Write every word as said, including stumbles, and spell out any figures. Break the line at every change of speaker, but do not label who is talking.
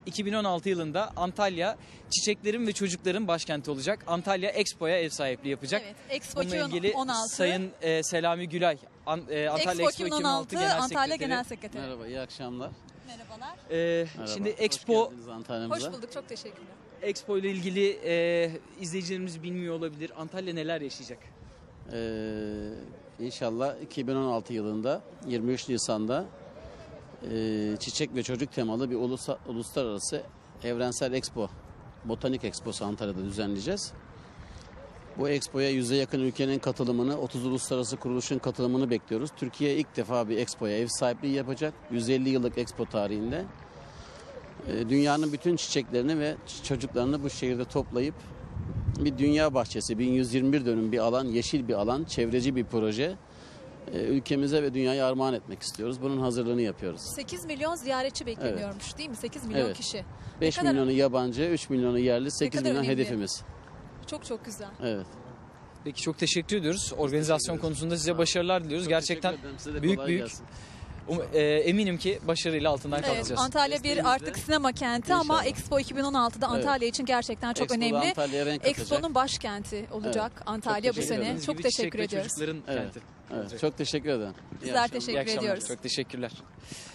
iki bin on altı yılında Antalya çiçeklerin ve çocukların başkenti olacak. Antalya Expo'ya ev sahipliği yapacak.
Evet, Expo
Bununla ilgili
iki bin on altı.
Sayın e, Selami Gülay, An, e, Antalya
Expo,
Expo
iki bin
iki
on
bin on altı
altı
Genel
Antalya
Sekreteri.
Genel Sekreteri.
Merhaba, iyi akşamlar.
Merhabalar.
E,
Merhaba.
Şimdi
Hoş
Expo
geldiniz Antalya'mıza.
Hoş bulduk, çok teşekkürler.
Expo ile ilgili e, izleyicilerimiz bilmiyor olabilir. Antalya neler yaşayacak?
Ee, İnşallah iki bin on altı yılında yirmi üç Nisan'da e, çiçek ve çocuk temalı bir ulusa, uluslararası evrensel expo, botanik exposu Antalya'da düzenleyeceğiz. Bu expoya yüze yakın ülkenin katılımını, otuz uluslararası kuruluşun katılımını bekliyoruz. Türkiye ilk defa bir expoya ev sahipliği yapacak. yüz elli yıllık expo tarihinde. E, dünyanın bütün çiçeklerini ve çocuklarını bu şehirde toplayıp bir dünya bahçesi, bin yüz yirmi bir dönüm bir alan, yeşil bir alan, çevreci bir proje e, ülkemize ve dünyaya armağan etmek istiyoruz. Bunun hazırlığını yapıyoruz.
sekiz milyon ziyaretçi bekleniyormuş değil mi? sekiz milyon
Evet.
kişi.
beş
kadar-
milyonu yabancı, üç milyonu yerli, sekiz
kadar
milyon
önemli.
hedefimiz.
Çok çok güzel.
Evet.
Peki çok teşekkür ediyoruz. Organizasyon
ederiz.
konusunda size başarılar diliyoruz.
Çok
Gerçekten
teşekkür ederim. Size de
büyük
kolay
büyük
gelsin.
um, e, eminim ki başarıyla altından
Evet,
kalkacağız.
Antalya bir
Desteğinizle
artık sinema kenti ama
İnşallah.
Expo iki bin on altıda
Evet.
Antalya için gerçekten çok
Expo'da
önemli.
Antalya'ya renk katacak.
Expo'nun başkenti olacak Antalya bu
teşekkür
sene.
ederim.
Dediğiniz
Çok
gibi
teşekkür
çiçek ve
ediyoruz.
çocukların
Evet.
kenti.
Evet. Çok teşekkür ederim. İyi
Bizler
akşamlar.
teşekkür
İyi akşamlar.
ediyoruz.
Çok teşekkürler.